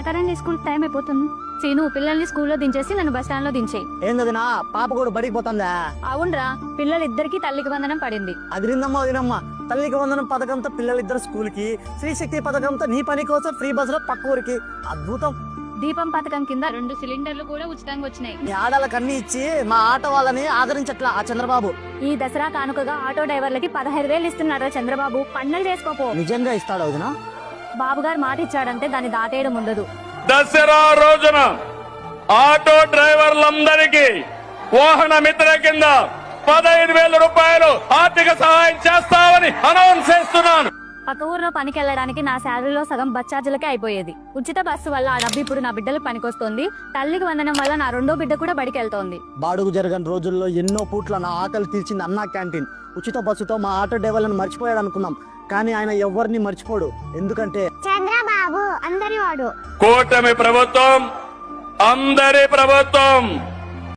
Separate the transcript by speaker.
Speaker 1: పదరండి, school time అయిపోతుంది. సీను, పిల్లల్ని స్కూల్లో దించేసి నన్ను బస్ స్టాండ్ లో దించేయి.
Speaker 2: ఏందదినా, పాప కూడా బడికి పోతుందా?
Speaker 1: అవునరా, పిల్లలిద్దరికి తల్లికి వందనం పడింది.
Speaker 2: అదిరిందమ్మా వదినమ్మా. తల్లికి వందనం పథకంతో పిల్లలిద్దరు స్కూల్ కి, స్త్రీ శక్తి పథకంతో నీ పని కోసం ఫ్రీ బస్ లో పక్క ఊరికి. అద్భుతం.
Speaker 1: దీపం పథకం కింద 2 సిలిండర్లు కూడా ఉచితంగా వచ్చినాయి.
Speaker 2: నీ ఆడాలకు అన్ని ఇచ్చి మా ఆటో వాళ్ళని ఆదరించట్లా ఆ చంద్రబాబు.
Speaker 1: ఈ దసరా కానుకగా ఆటో డ్రైవర్లకి 15,000 ఇస్తున్నారా చంద్రబాబు? పండలు చేసుకోపో.
Speaker 2: నిజంగా ఇస్తాడు వదినా?
Speaker 1: బాబు గారు మాట ఇచ్చాడంటే దాన్ని దాటేయడం ఉండదు.
Speaker 3: దసరా రోజున ఆటో డ్రైవర్లందరికీ వాహన మిత్ర కింద 15,000 రూపాయలు ఆర్థిక సహాయం చేస్తామని అనౌన్స్ చేస్తున్నాను.
Speaker 1: పక్క ఊర్లో పనికి వెళ్ళడానికి నా శాలరీలో సగం బస్ ఛార్జీలకే అయిపోయేది. ఉచిత బస్సు వల్ల ఆ డబ్బు ఇప్పుడు నా బిడ్డలకు పనికొస్తోంది. తల్లికి వందనం వల్ల నా 2వ బిడ్డ కూడా బడికి వెళ్తోంది.
Speaker 2: బాడుగు జరగని రోజుల్లో ఎన్నో పూట్ల నా ఆకలి తీర్చింది అన్నా క్యాంటీన్. ఉచిత బస్సుతో మా ఆటో డ్రైవర్లను మర్చిపోయాడు అనుకున్నాం, కానీ ఆయన ఎవరిని మర్చిపోడు. ఎందుకంటే
Speaker 1: చంద్రబాబు అందరి వాడు.
Speaker 3: కూటమి ప్రభుత్వం అందరి ప్రభుత్వం.